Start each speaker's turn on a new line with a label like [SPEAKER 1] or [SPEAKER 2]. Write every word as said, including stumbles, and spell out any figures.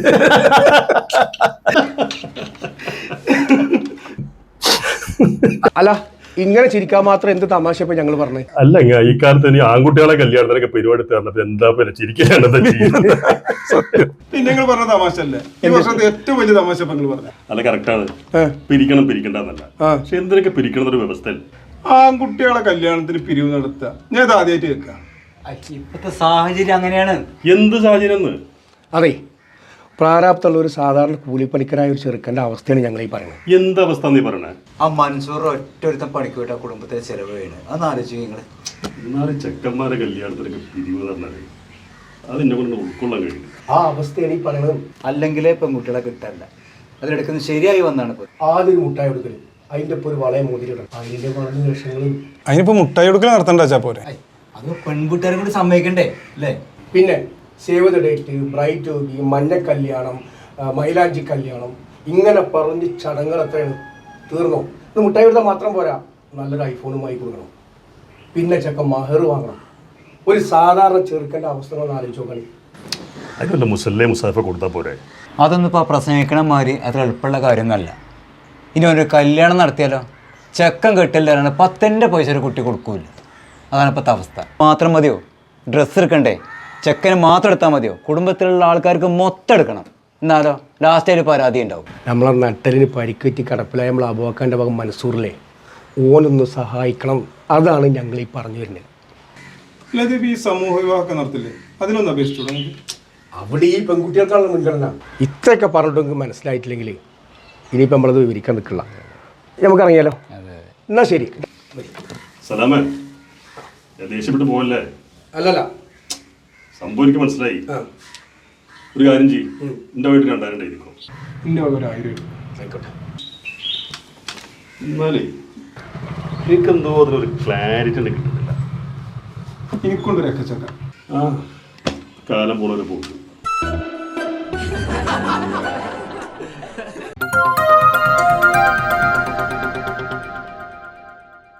[SPEAKER 1] അല്ല ഇങ്ങനെ ചിരിക്കാൻ മാത്രം എന്ത് തമാശ ഇപ്പൊ ഞങ്ങൾ പറഞ്ഞു?
[SPEAKER 2] അല്ല ഈ കാലത്ത് ഇനി ആൺകുട്ടികളെ കല്യാണത്തിനൊക്കെ പരിപാടി തരണത് എന്താ പിന്നെ ചിരിക്കാണ്?
[SPEAKER 3] പിന്നെ നിങ്ങൾ പറഞ്ഞ തമാശ അല്ലേ ഈ വർഷത്തെ ഏറ്റവും വലിയ തമാശ നിങ്ങൾ പറഞ്ഞ?
[SPEAKER 2] അല്ല കറക്റ്റാണ്, പിരിക്കണം പിരിക്കണ്ടെന്നല്ല, പക്ഷെ എന്തിനൊക്കെ പിരിക്കണം ഒരു വ്യവസ്ഥ.
[SPEAKER 3] ആൺകുട്ടികളെ കല്യാണത്തിന് പിരിവ് നടത്തുക ഞാൻ ഇത് ആദ്യമായിട്ട് കേൾക്കാം.
[SPEAKER 4] ഇപ്പത്തെ സാഹചര്യം അങ്ങനെയാണ്.
[SPEAKER 2] എന്ത് സാഹചര്യം?
[SPEAKER 1] അതെ, പ്രാരാബ്ദമുള്ള ഒരു സാധാരണ കൂലിപ്പണിക്കരായ ഒരു ചെറുക്കൻ്റെ അവസ്ഥയാണ് ഞങ്ങൾ ഈ പറയുന്നത്.
[SPEAKER 2] എന്തവസ്ഥ നീ പറയണേ?
[SPEAKER 4] ആ മൻസൂർ ഒറ്റൊരുത്തം പണിക്ക് പോയിട്ട് ആ കുടുംബത്തെ ചെലവ് ചെയ്യണത് അതൊന്ന് ആലോചിച്ചു നിങ്ങള്.
[SPEAKER 2] എന്നാലും ചെക്കന്മാരെ കല്യാണത്തിനൊക്കെ പിരിവ് പറഞ്ഞത് അതെന്നെ കൊണ്ട് ഉൾക്കൊള്ളാൻ കഴിയും.
[SPEAKER 1] ആ അവസ്ഥയാണ് ഈ പറയുന്നത്.
[SPEAKER 4] അല്ലെങ്കിലേ പെൺകുട്ടികളെ കിട്ടാനില്ല, അതിലെടുക്കുന്നത് ശരിയായി വന്നാണ് ഇപ്പൊ.
[SPEAKER 1] ആദ്യം ഒരു മുട്ടായി കൊടുക്കല്, അതിന്റെ ഇപ്പൊ ഒരു വളയെ മോതിരിടണം, അതിന്റെ വളഞ്ഞ ലക്ഷങ്ങളും.
[SPEAKER 3] അതിനിപ്പോ മുട്ടായി കൊടുക്കൽ നടത്തണ്ട പോരെ?
[SPEAKER 4] അത് പെൺകുട്ടികാരും കൂടി സമ്മതിക്കണ്ടേ അല്ലേ?
[SPEAKER 1] പിന്നെ save the date, Bright Toby, മഞ്ഞ കല്യാണം, മൈലാഞ്ചി കല്യാണം, ഇങ്ങനെ പറഞ്ഞ് ചടങ്ങുകൾ എത്രയാണ്? തീർന്നോ? ഇത് മുട്ടായി കൊടുത്താൽ മാത്രം പോരാ, നല്ലൊരു ഐഫോണുമായി കൊടുക്കണം, പിന്നെ ചെക്കൻ മഹർ വാങ്ങണം. ഒരു സാധാരണ ചെറുക്കൻ്റെ അവസ്ഥകളൊന്ന് ആലോചിച്ച് നോക്കണേ.
[SPEAKER 2] അതിനല്ല മുസല്ലേ മുസാഫ കൊടുത്താൽ പോരെ?
[SPEAKER 4] അതൊന്നും ഇപ്പോൾ പ്രസംഗിക്കണമാതിരി അത്ര എളുപ്പമുള്ള കാര്യമൊന്നുമല്ല. ഇനി ഒരു കല്യാണം നടത്തിയാലോ, ചെക്കൻ കെട്ടില്ലാതെ പത്തിൻ്റെ പൈസ ഒരു കുട്ടി കൊടുക്കൂല. അതാണ് ഇപ്പോഴത്തെ അവസ്ഥ. മാത്രം മതിയോ ഡ്രസ്സ് എടുക്കണ്ടേ? ചെക്കന് മാത്രം എടുത്താൽ മതിയോ? കുടുംബത്തിലുള്ള ആൾക്കാർക്ക് മൊത്തം എടുക്കണം. എന്നാലോ ലാസ്റ്റ് ഒരു പരാതി ഉണ്ടാവും.
[SPEAKER 1] നമ്മളെ നട്ടലിന് പരിക്കുറ്റി കടപ്പിലായ നമ്മൾ അബുബക്കറിന്റെ ഭാഗം മൻസൂറിലെ ഓനൊന്ന് സഹായിക്കണം. അതാണ് ഞങ്ങൾ ഈ പറഞ്ഞു വരുന്നത്.
[SPEAKER 3] അല്ലാതെ ഈ സമൂഹ വിവാഹമൊക്കെ നടത്തില്ലേ, അതിനൊന്നും അപേക്ഷിച്ചു
[SPEAKER 1] അവിടെ ഈ പെൺകുട്ടികൾക്കാണ് മുൻഗണന. ഇത്രയൊക്കെ പറഞ്ഞിട്ടെങ്കിൽ മനസ്സിലായിട്ടില്ലെങ്കിൽ ഇനിയിപ്പോൾ നമ്മളത് വിവരിക്കാൻ നിൽക്കില്ല. നമുക്കറിയാലോ. എന്നാ ശരി.
[SPEAKER 2] സലാമേ, ദേഷ്യപ്പെട്ട് പോകല്ലേ?
[SPEAKER 1] അല്ലല്ല,
[SPEAKER 2] സംഭവം എനിക്ക് മനസ്സിലായി. ഒരു കാര്യം ചെയ്യും, എൻ്റെ വീട്ടിൽ രണ്ടായിരം ഉണ്ടായിരിക്കും.
[SPEAKER 3] എൻ്റെ ഒരു ആയിരം
[SPEAKER 1] ആയിക്കോട്ടെ.
[SPEAKER 2] എന്നാലേ എനിക്കെന്തോ അതിലൊരു ക്ലാരിറ്റി തന്നെ കിട്ടുന്നില്ല.
[SPEAKER 3] എനിക്കൊണ്ടൊരു എക്കച്ചക്ക
[SPEAKER 2] ആ കാലം പോണൊരു പോക്ക്.